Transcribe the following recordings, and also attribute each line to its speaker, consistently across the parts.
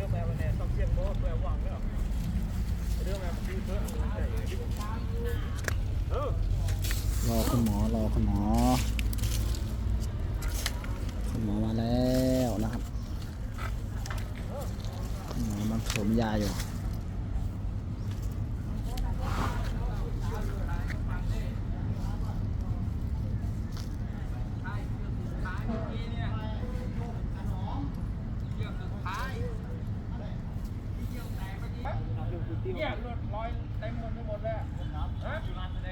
Speaker 1: รอคุณหมอคุณหมอมาแล้วนะครับคุณหมอมันผสมยาอยู่
Speaker 2: เนี่ยรถลอยเต็มหมดเลยฮะ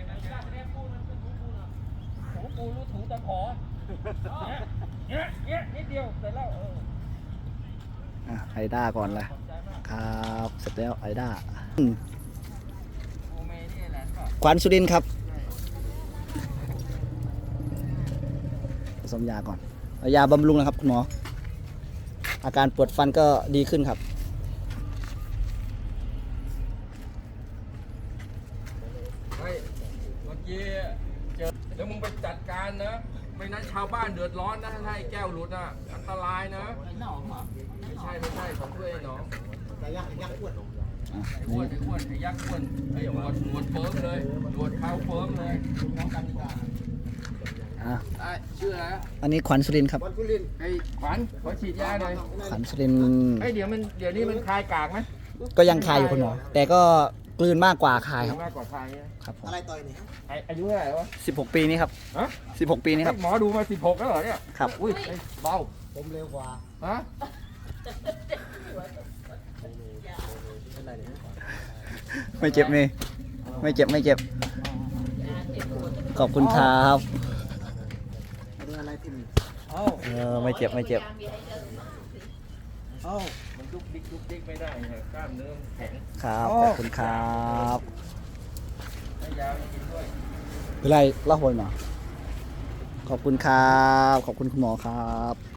Speaker 2: ถูปูรู้ถูตะขอเนี่ยนิดเดียวเสร็จแล้ว
Speaker 1: ไอด้าก่อนเลยครับเสร็จแล้วไอด้าขวัญสุรินทร์ครับผสมยาก่อนเอายาบำรุงนะครับคุณหมออาการปวดฟันก็ดีขึ้นครับ
Speaker 2: เมื่อกี้เจอเดี๋ยวมึงไปจัดการนะไม่นั้นชาวบ้านเดือดร้อนนะถ้าไอ้แก้วหลุดอ่ะอันตรายนะไม่ใช่ของตัวเองน้องไอ้ยักษ์อ้วนไอ้ยักษ์อ้วนไอ้หนวดเฟิร์มเลยหนวดเขาเฟิร์มเลยน้องกันดีกว่าชื่ออะไร
Speaker 1: อันนี้ขวัญสุรินทร์ครับ
Speaker 2: ไอ้ขวัญขอฉีดยาหน่อย
Speaker 1: ขวัญสุรินทร์
Speaker 2: ไอ้เดี๋ยวนี้มันคลายกากไหม
Speaker 1: ก็ยังคายอยู่คุณหมอแต่ก็กลืนมากกว่าคายครับ
Speaker 2: มากกว่าคลาย
Speaker 1: ครับผม
Speaker 3: อะไรต่อยนี่
Speaker 2: อายุเท่าไหร่วะ
Speaker 1: 16 ปีนี้ครับ
Speaker 2: ฮะ
Speaker 1: 16 ปีนี้ครับ
Speaker 2: หมอดูมา16แล้วเหรอเนี่ย
Speaker 1: ครับ
Speaker 2: อุ้ยเบา
Speaker 3: ผมเร็วกว่า
Speaker 2: ฮะ
Speaker 1: ไม่เจ็บนี่ไม่เจ็บขอบคุณครับ
Speaker 3: อะไรที่มี
Speaker 1: ไม่เจ็บ
Speaker 2: มันดุกดิกไม่ได้กล้ามเนื้อแข็ง
Speaker 1: ครับขอบคุณครับ
Speaker 2: ให้ยากินด้วย
Speaker 1: เป็นไรเล่าหวยมาขอบคุณครับขอบคุณคุณหมอครับ